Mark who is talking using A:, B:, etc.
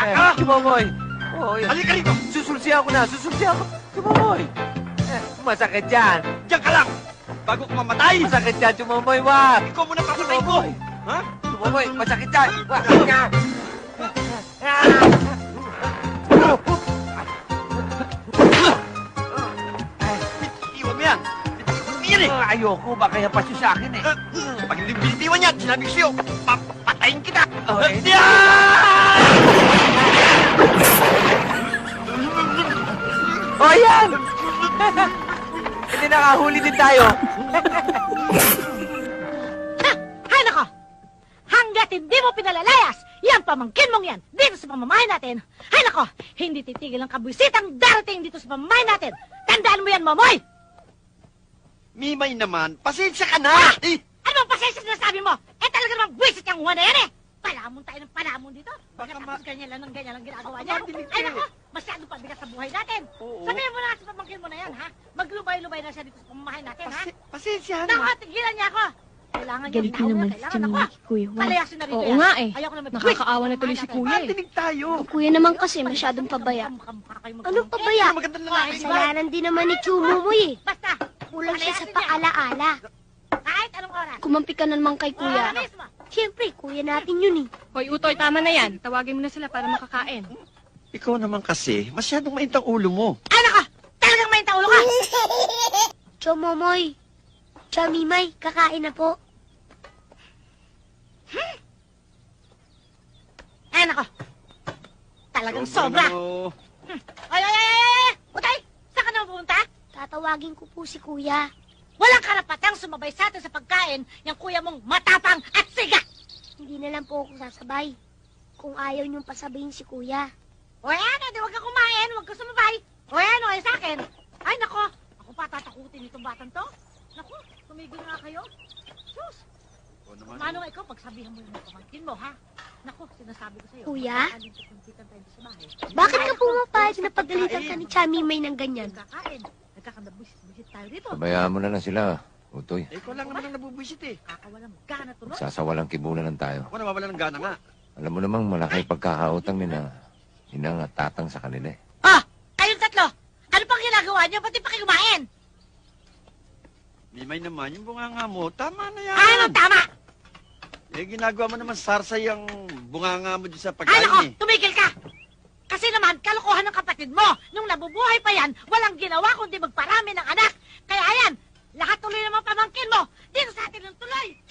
A: ka!
B: Tumamoy! Oo, yan.
A: Halika rito!
B: Susulsihan ko na! Susulsihan ko! Tumamoy! Masakit yan!
A: Diyan ka lang! Bago ka mamatay!
B: Masakit yan! Tumamoy, wag!
A: Ikaw muna papatay ko!
B: Tumamoy!
A: Ha?
B: Tumamoy! Masakit yan! Wag! Nga!
A: Iwan mo yan! Yan eh!
B: Ayoko! Baka yapasyo sa akin eh!
A: Pag hindi binitiwan yan, sinabi ko sa'yo, papatayin kita!
B: Okay.
A: Yan!
B: O yan! Hindi nakahuli din tayo!
C: Hay nako! Hanggat hindi mo pinalalayas, yan pamangkin mong yan, dito sa pamamahay natin. Hay nako! Hindi titigil ang kabwisitang darating dito sa pamamahay natin. Tandaan mo yan, Momoy!
A: Mimay naman, pasensya ka na! Eh,
C: Ano bang pasensya na sabi mo? Eh talaga namang buwisit yung uwan na yan eh! Palamon tayo ng palamon dito.
A: Baka
C: Tapos ganyan lang ang ginagawa niya.
A: madinig
C: Ay
A: ka
C: nako! Masyadong pabigat sa buhay natin.
A: Oo.
C: Sabihin mo na sa pamangkin mo na yan, ha? Maglubay-lubay na siya dito sa pamamahay natin, ha?
A: pasensya
C: Nako,
A: na.
C: tigilan niya ako! Kailangan niya
D: Ganito naman si Jamila kay Kuya Juan.
C: Palayasin na rito
D: Oo
C: yan.
D: nga eh.
C: Ayoko na mag-
D: Nakakaawa na tuloy si Kuya eh.
A: Matinig tayo.
E: Kuya naman kasi masyadong pabaya. Anong pabaya?
A: Ang magandang lalaki.
E: Kasalanan din naman ni Chumumoy eh.
C: Basta,
E: Kulang siya sa
C: palayasin niya.
E: paalaala.
C: Kahit anong oras.
E: Kumampi ka na naman kay Kuya.
C: Oo, mismo.
E: Siyempre, Kuya natin yun eh.
D: Hoy, Utoy, tama na yan. Tawagin mo na sila para makakain.
A: Ikaw naman kasi, masyadong mainit ang ulo mo.
C: Ay nako! Talagang may taulo ka!
E: Chumumoy, Chamimay, kakain na po.
C: Ay nako! Talagang sobra!
A: Ano?
C: Ay! Utay! Saan ka na pupunta?
E: Tatawagin ko po si Kuya.
C: Walang karapatang sumabay sa atin sa pagkain yung kuya mong matapang at siga!
E: Hindi na lang po ako sasabay. Kung ayaw niyong pasabayin si Kuya.
C: O yan, di huwag ka kumain, huwag ka sumabay. O yan, o sa akin. Ay nako! Ako pa tatakutin itong batang to. Naku, tumigil nga kayo. Sus!
A: O naman.
C: Manong ikaw, pagsabihan mo yung pamangkin mo, ha? Naku, sinasabi ko sa'yo.
E: Kuya?
C: Magkakalimpitan tayo sa bahay.
E: Bakit ka pumapayag na pagalitan ka ni Chamimay ng ganyan?
C: Nagkakain. Nagkakanabusit tayo dito.
F: Pabayaan mo na lang sila, Utoy.
A: Eh, ikaw lang naman ang nabubwisit eh.
C: Kakawalan mo. Gana tuloy.
F: Sasawalang kibunan tayo.
A: Ako nawawala ng gana nga.
F: Alam mo namang malaki pagkakautang ni na inang at tatang sa kanila eh.
C: Ah! Kayong tatlo! Ano pang ginagawa niyo? Pati pa kayo kumain?
A: Mimay naman, yung bunganga mo, tama na yan.
C: Ay, anong tama?
A: Eh, ginagawa mo naman sarsay ang bunganga mo dyan sa
C: Ay,
A: pagkain
C: nako!
A: eh.
C: Tumigil ka! Kasi naman, kalokohan ng kapatid mo. Nung nabubuhay pa yan, walang ginawa kundi magparami ng anak. Kaya yan, lahat tuloy naman pamangkin mo. Dito sa atin ng tuloy.